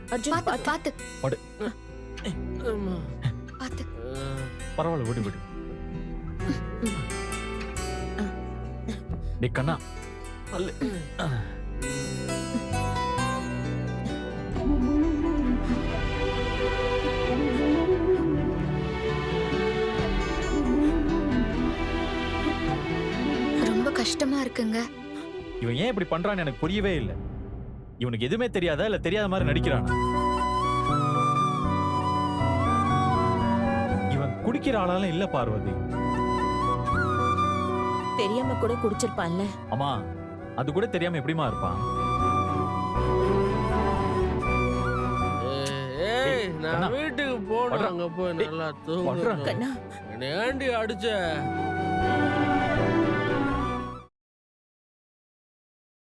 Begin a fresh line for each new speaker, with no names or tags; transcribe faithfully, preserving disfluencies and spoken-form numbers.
அர்ஜுன்
பாத்து
பாத்து
பாத்து
படு.
அம்மா.
பாத்து பரவாயில்ல விடு விடு. டேய் கண்ணா அல்ல.
ரொம்ப கஷ்டமா இருக்குங்க.
இவன் ஏன் இப்படி பண்றான்னு எனக்கு புரியவே இல்லை. இவனுக்கு எதுவுமே தெரியாதா இல்ல தெரியாத மாதிரி நடிக்கிறானா? இவன் குடிக்கிற ஆளாலும் இல்ல பார்வதி.
தெரியாம கூட குடிச்சிருப்பான்ல.
அம்மா அது கூட தெரியாம எப்படிமா இருப்பான்?
ஏய்
கண்ணா.
நான் வீட்டுக்கு போனேன்.
படுறா.
அங்க போய்
டேய்,
நல்லா
படுறா.
தூங்க.
கண்ணா
ஏண்டி அடிச்ச?